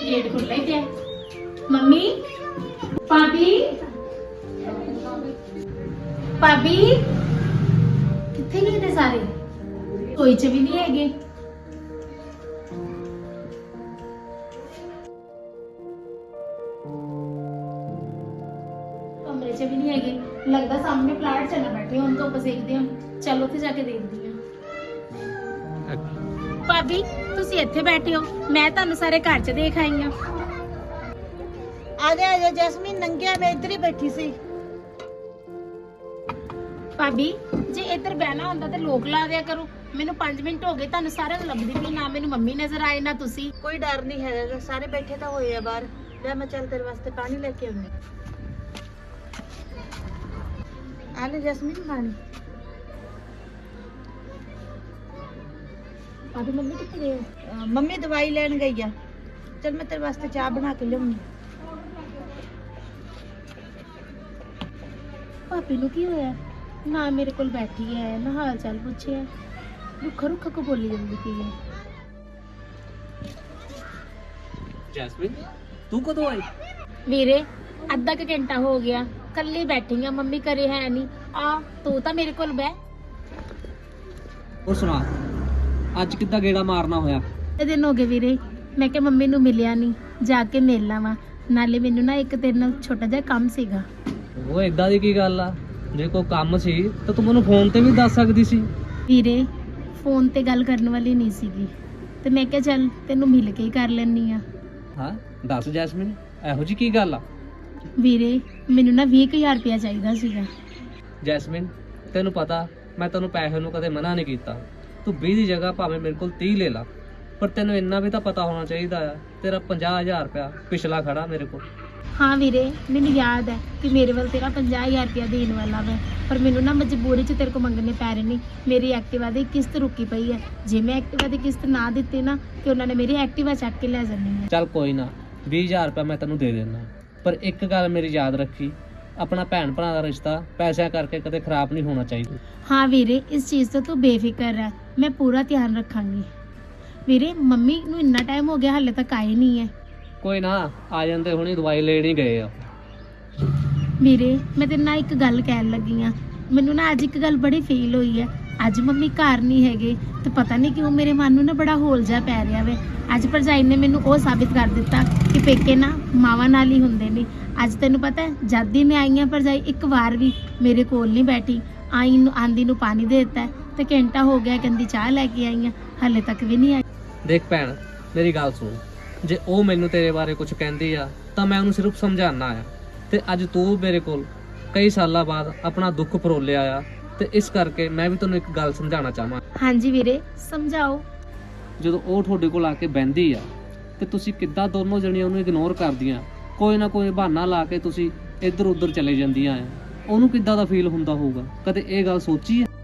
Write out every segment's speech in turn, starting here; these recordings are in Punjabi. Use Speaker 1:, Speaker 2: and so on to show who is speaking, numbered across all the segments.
Speaker 1: गेट खुला ही है। मम्मी भाभी भाभी किथे गए थे सारे? कोई च भी नहीं है। कमरे च भी नहीं है। लगता सामने प्लाट चना बैठे हो, तो सेकते हो। चलो थे जाके देखती हूँ। भाभी तुसी इत्थे बैठे हो, मैं तुहानू सारे घर च देख आई हां।
Speaker 2: आ जा जैस्मीन, नंगिया मैं इधर ही बैठी सी।
Speaker 1: भाभी जे इधर बहना होंदा ते लोक ला दिया करो। मैनू 5 मिनट हो गए तुहानू सारे लभदी भी ना, मैनू मम्मी नजर आए ना तुसी।
Speaker 2: कोई डर नहीं है, सारे बैठे तो होए बाहर। ले मैं चल तेरे वास्ते पानी लेके आऊंगी। आ ले जैस्मीन पानी।
Speaker 1: भाभी मम्मी किथे गए हो?
Speaker 2: मम्मी दवाई लेन गई है। चल मैं तेरे वास्ते चाय बना के लाऊंगी।
Speaker 1: भाभी नू की होया? ना मेरे कोल बैठी है, ना हाल चाल पूछे। रुखा रुखा को बोली जल्दी पी है।
Speaker 3: जैस्मिन तू कदों आई?
Speaker 1: वीरे अद्धा क घंटा हो गया, कल्ली बैठी है, मम्मी करे है नहीं। आ तू तो मेरे कोल बह।
Speaker 3: और सुना ਅੱਜ ਕਿੱਦਾਂ ਗੇੜਾ ਮਾਰਨਾ ਹੋਇਆ?
Speaker 1: ਇਹ ਦਿਨ ਹੋ ਗਏ ਵੀਰੇ, ਮੈਂ ਕਿ ਮੰਮੀ ਨੂੰ ਮਿਲਿਆ ਨਹੀਂ, ਜਾ ਕੇ ਮਿਲ ਲਾਵਾਂ। ਨਾਲੇ ਮੈਨੂੰ ਨਾ ਇੱਕ ਤੇਰੇ ਨਾਲ ਛੋਟਾ ਜਿਹਾ ਕੰਮ ਸੀਗਾ।
Speaker 3: ਉਹ ਇਦਾਂ ਦੀ ਕੀ ਗੱਲ ਆ? ਜੇ ਕੋਈ ਕੰਮ ਸੀ ਤਾਂ ਤੂੰ ਮੈਨੂੰ ਫੋਨ ਤੇ ਵੀ ਦੱਸ ਸਕਦੀ ਸੀ।
Speaker 1: ਵੀਰੇ ਫੋਨ ਤੇ ਗੱਲ ਕਰਨ ਵਾਲੀ ਨਹੀਂ ਸੀਗੀ, ਤੇ ਮੈਂ ਕਿਹਾ ਚੱਲ ਤੈਨੂੰ ਮਿਲ ਕੇ ਹੀ ਕਰ ਲੈਣੀ ਆ।
Speaker 3: ਹਾਂ ਦੱਸ ਜੈਸਮਿਨ, ਇਹੋ ਜੀ ਕੀ ਗੱਲ ਆ?
Speaker 1: ਵੀਰੇ ਮੈਨੂੰ ਨਾ 20000 ਰੁਪਇਆ ਚਾਹੀਦਾ ਸੀਗਾ।
Speaker 3: ਜੈਸਮਿਨ ਤੈਨੂੰ ਪਤਾ ਮੈਂ ਤੈਨੂੰ ਪੈਸੇ ਨੂੰ ਕਦੇ ਮਨਾ ਨਹੀਂ ਕੀਤਾ। ਤੂੰ 20 ਦੀ ਜਗ੍ਹਾ ਭਾਵੇਂ ਮੇਰੇ ਕੋਲ 30 ਲੈ ਲਾ, ਪਰ ਤੈਨੂੰ ਇੰਨਾ ਵੀ ਤਾਂ ਪਤਾ ਹੋਣਾ ਚਾਹੀਦਾ ਆ ਤੇਰਾ 50000 ਰੁਪਇਆ ਪਿਛਲਾ ਖੜਾ ਮੇਰੇ ਕੋਲ।
Speaker 1: ਹਾਂ ਵੀਰੇ ਮੈਨੂੰ ਯਾਦ ਹੈ ਕਿ ਮੇਰੇ ਵੱਲ ਤੇਰਾ 50000 ਰੁਪਇਆ ਦੇਣ ਵਾਲਾ ਵਾ, ਪਰ ਮੈਨੂੰ ਨਾ ਮਜਬੂਰੀ 'ਚ ਤੇਰੇ ਕੋਲ ਮੰਗਣੇ ਪੈ ਰਹੇ ਨੇ। ਮੇਰੀ ਐਕਟਿਵਾ ਦੀ ਕਿਸ਼ਤ ਰੁਕੀ ਪਈ ਹੈ। ਜੇ ਮੈਂ ਐਕਟਿਵਾ ਦੀ ਕਿਸ਼ਤ ਨਾ ਦਿੱਤੀ ਨਾ ਤੇ ਉਹਨਾਂ ਨੇ ਮੇਰੀ ਐਕਟਿਵਾ ਚੱਕ ਕੇ ਲੈ ਜਾਣੀ ਹੈ।
Speaker 3: ਚੱਲ ਕੋਈ ਨਾ, 20000 ਰੁਪਇਆ ਮੈਂ ਤੈਨੂੰ ਦੇ ਦੇਣਾ, ਪਰ ਇੱਕ ਗੱਲ ਮੇਰੀ ਯਾਦ ਰੱਖੀ, ਆਪਣਾ ਭੈਣ ਭਰਾ ਦਾ ਰਿਸ਼ਤਾ ਪੈਸਿਆਂ ਕਰਕੇ ਕਦੇ ਖਰਾਬ ਨਹੀਂ ਹੋਣਾ ਚਾਹੀਦਾ।
Speaker 1: ਹਾਂ ਵੀਰੇ ਇਸ ਚੀਜ਼ ਤੋਂ ਤੂੰ ਬੇਫਿਕਰ ਰਹਿ, ਮੈਂ ਪੂਰਾ ਧਿਆਨ ਰੱਖਾਂਗੀ। ਵੀਰੇ ਮੰਮੀ ਨੂੰ ਇੰਨਾ ਟਾਈਮ ਹੋ ਗਿਆ ਹਾਲੇ ਤੱਕ ਆਏ ਨਹੀਂ ਹੈ।
Speaker 3: ਕੋਈ ਨਾ ਆ ਜਾਂਦੇ, ਹੁਣੀ ਦਵਾਈ ਲੈਣ ਹੀ ਗਏ ਆ।
Speaker 1: ਵੀਰੇ ਮੈਂ ਤੇਰੇ ਨਾਲ ਇੱਕ ਗੱਲ ਕਹਿਣ ਲੱਗੀ ਆ, ਮੈਨੂੰ ਨਾ ਅੱਜ ਇੱਕ ਗੱਲ ਬੜੀ ਫੀਲ ਹੋਈ ਹੈ। ਅੱਜ ਮੰਮੀ ਘਰ ਨਹੀਂ ਹੈਗੇ ਤੇ ਪਤਾ ਨਹੀਂ ਕਿਉਂ ਮੇਰੇ ਮਨ ਨੂੰ ਨਾ ਬੜਾ ਹੋਲ ਜਿਹਾ ਪੈ ਰਿਹਾ ਵੇ। ਅੱਜ ਭਰਜਾਈ ਨੇ ਮੈਨੂੰ ਉਹ ਸਾਬਿਤ ਕਰ ਦਿੱਤਾ ਕਿ ਪੇਕੇ ਨਾ ਮਾਵਾਂ ਨਾਲ ਹੀ ਹੁੰਦੇ ਨੇ। ਅੱਜ ਤੈਨੂੰ ਪਤਾ ਹੈ ਜਦ ਹੀ ਮੈਂ ਆਈ ਹਾਂ ਭਰਜਾਈ ਇੱਕ ਵਾਰ ਵੀ ਮੇਰੇ ਕੋਲ ਨਹੀਂ ਬੈਠੀ। ਆਈ ਨੂੰ ਆਂਦੀ ਨੂੰ ਪਾਣੀ ਦੇ ਦਿੱਤਾ ਤੇ ਘੰਟਾ ਹੋ ਗਿਆ ਕਹਿੰਦੀ ਚਾਹ ਲੈ ਕੇ ਆਈ ਹਾਂ, ਹਾਲੇ ਤੱਕ ਵੀ ਨਹੀਂ ਆਈ।
Speaker 3: ਦੇਖ ਭੈਣ ਮੇਰੀ ਗੱਲ ਸੁਣ, ਜੇ ਉਹ ਮੈਨੂੰ ਤੇਰੇ ਬਾਰੇ ਕੁਝ ਕਹਿੰਦੀ ਆ ਤਾਂ ਮੈਂ ਉਹਨੂੰ ਸਿਰਫ ਸਮਝਾਉਣਾ ਆ, ਤੇ ਅੱਜ ਤੂੰ ਮੇਰੇ ਕੋਲ ਕਈ ਸਾਲਾਂ ਬਾਅਦ ਆਪਣਾ ਦੁੱਖ ਫਰੋਲਿਆ ਆ, ਤੇ ਇਸ ਕਰਕੇ ਮੈਂ ਵੀ ਤੈਨੂੰ ਇੱਕ ਗੱਲ ਸਮਝਾਉਣਾ ਚਾਹਾਂ।
Speaker 1: ਹਾਂਜੀ ਵੀਰੇ ਸਮਝਾਓ।
Speaker 3: ਜਦੋਂ ਉਹ ਤੁਹਾਡੇ ਕੋਲ ਆ ਕੇ ਬਹਿੰਦੀ ਆ ਤੇ ਤੁਸੀਂ ਕਿੱਦਾਂ ਦੋਨੋਂ ਜਣੀਆਂ ਉਹਨੂੰ ਇਗਨੋਰ ਕਰਦੀਆਂ, ਕੋਈ ਨਾ ਕੋਈ ਬਹਾਨਾ ਲਾ ਕੇ ਤੁਸੀਂ ਇੱਧਰ ਉੱਧਰ ਚਲੇ ਜਾਂਦੀਆਂ ਆ, ਉਹਨੂੰ ਕਿੱਦਾਂ ਦਾ ਫੀਲ ਹੁੰਦਾ ਹੋਊਗਾ? ਕਦੇ ਇਹ ਗੱਲ ਸੋਚੀ ਹੈ?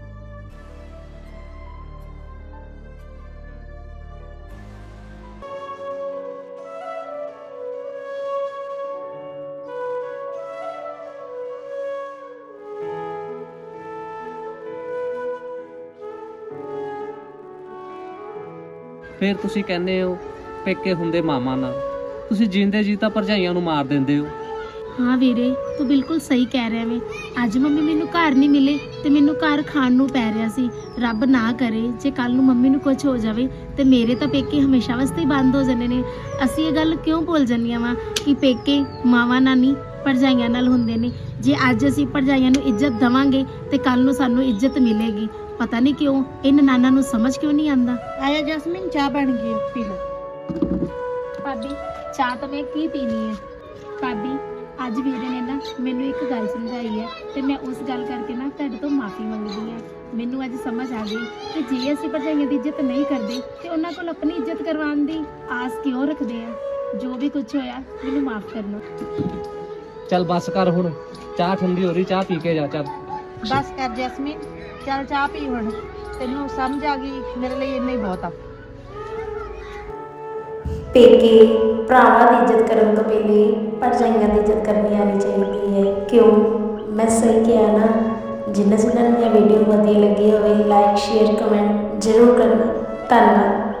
Speaker 3: ਫਿਰ ਤੁਸੀਂ ਕਹਿੰਦੇ ਹੋ ਪੇਕੇ ਹੁੰਦੇ ਮਾਮਾ ਨਾਲ, ਤੁਸੀਂ ਜਿੰਦੇ ਜੀ ਤਾਂ ਭਰਜਾਈਆਂ ਨੂੰ ਮਾਰ ਦਿੰਦੇ ਹੋ।
Speaker 1: ਹਾਂ ਵੀਰੇ ਤੂੰ ਬਿਲਕੁਲ ਸਹੀ ਕਹਿ ਰਿਹਾ ਵੇ। ਅੱਜ ਮੰਮੀ ਮੈਨੂੰ ਘਰ ਨਹੀਂ ਮਿਲੇ ਤੇ ਮੈਨੂੰ ਘਰ ਖਾਣ ਨੂੰ ਪੈ ਰਿਹਾ ਸੀ। ਰੱਬ ਨਾ ਕਰੇ ਜੇ ਕੱਲ ਨੂੰ ਮੰਮੀ ਨੂੰ ਕੁਝ ਹੋ ਜਾਵੇ ਤੇ ਮੇਰੇ ਤਾਂ ਪੇਕੇ ਹਮੇਸ਼ਾ ਵਾਸਤੇ ਹੀ ਬੰਦ ਹੋ ਜਾਣੇ ਨੇ। ਅਸੀਂ ਇਹ ਗੱਲ ਕਿਉਂ ਭੁੱਲ ਜਾਂਦੀਆਂ ਵਾ ਕਿ ਪੇਕੇ ਮਾਵਾਂ ਨਾਲ ਨਹੀਂ ਭਰਜਾਈਆਂ ਨਾਲ ਹੁੰਦੇ ਨੇ। ਜੇ ਅੱਜ ਅਸੀਂ ਭਰਜਾਈਆਂ ਨੂੰ ਇੱਜ਼ਤ ਦੇਵਾਂਗੇ ਤੇ ਕੱਲ ਨੂੰ ਸਾਨੂੰ ਇੱਜ਼ਤ ਮਿਲੇਗੀ। ਪਤਾ ਨਹੀਂ ਕਿਉਂ ਇਹ ਨਨਾਣਾ ਨੂੰ ਸਮਝ ਕਿਉਂ ਨਹੀਂ ਆਂਦਾ।
Speaker 2: आया जैस्मीन, चाय बन गई, पी लो।
Speaker 1: ਭਾਬੀ ਚਾਹ ਤਾਂ ਮੈਂ ਕੀ ਪੀਣੀ ਹੈ। ਭਾਬੀ ਅੱਜ ਵੀਰੇ ਨੇ ਨਾ ਮੈਨੂੰ ਇੱਕ ਗੱਲ ਸਮਝਾਈ ਹੈ ਤੇ ਮੈਂ ਉਸ ਗੱਲ ਕਰਕੇ ਨਾ ਤੁਹਾਡੇ ਤੋਂ ਮਾਫੀ ਮੰਗਦੀ ਹਾਂ। ਮੈਨੂੰ ਅੱਜ ਸਮਝ ਆ ਗਈ ਕਿ ਜੇ ਅਸੀਂ ਭਰਜਾਈਆਂ ਦੀ ਇੱਜ਼ਤ ਨਹੀਂ ਕਰਦੇ ਤੇ ਉਹਨਾਂ ਕੋਲ ਆਪਣੀ ਇੱਜ਼ਤ ਕਰਵਾਉਣ ਦੀ ਆਸ ਕਿਉਂ ਰੱਖਦੇ ਆ। ਜੋ ਵੀ ਕੁਝ ਹੋਇਆ ਮੈਨੂੰ ਮਾਫ ਕਰਨਾ।
Speaker 3: ਚੱਲ ਬੱਸ ਕਰ ਹੁਣ, ਚਾਹ ਠੰਡੀ ਹੋ ਰਹੀ, ਚਾਹ ਪੀ ਕੇ ਜਾ। ਚੱਲ
Speaker 2: बस कर जैस्मीन, चल चाह पी हुण। तेनू समझ आ गई, मेरे लिए इन्ना ही बहुत आ।
Speaker 4: ਪੇਕੇ ਭਰਾਵਾਂ ਦੀ ਇੱਜ਼ਤ ਕਰਨ ਤੋਂ ਪਹਿਲੇ ਭਰਜਾਈਆਂ ਦੀ ਇੱਜ਼ਤ ਕਰਨੀ ਆਉਣੀ ਚਾਹੀਦੀ ਹੈ। ਕਿਉਂ ਮੈਂ ਸਹੀ ਕਿਹਾ ਨਾ? ਜਿਨ੍ਹਾਂ ਨੂੰ ਇਹ ਵੀਡੀਓ ਵਧੀਆ ਲੱਗੀ ਹੋਵੇ ਲਾਈਕ ਸ਼ੇਅਰ ਕਮੈਂਟ ਜ਼ਰੂਰ ਕਰਨਾ। ਧੰਨਵਾਦ।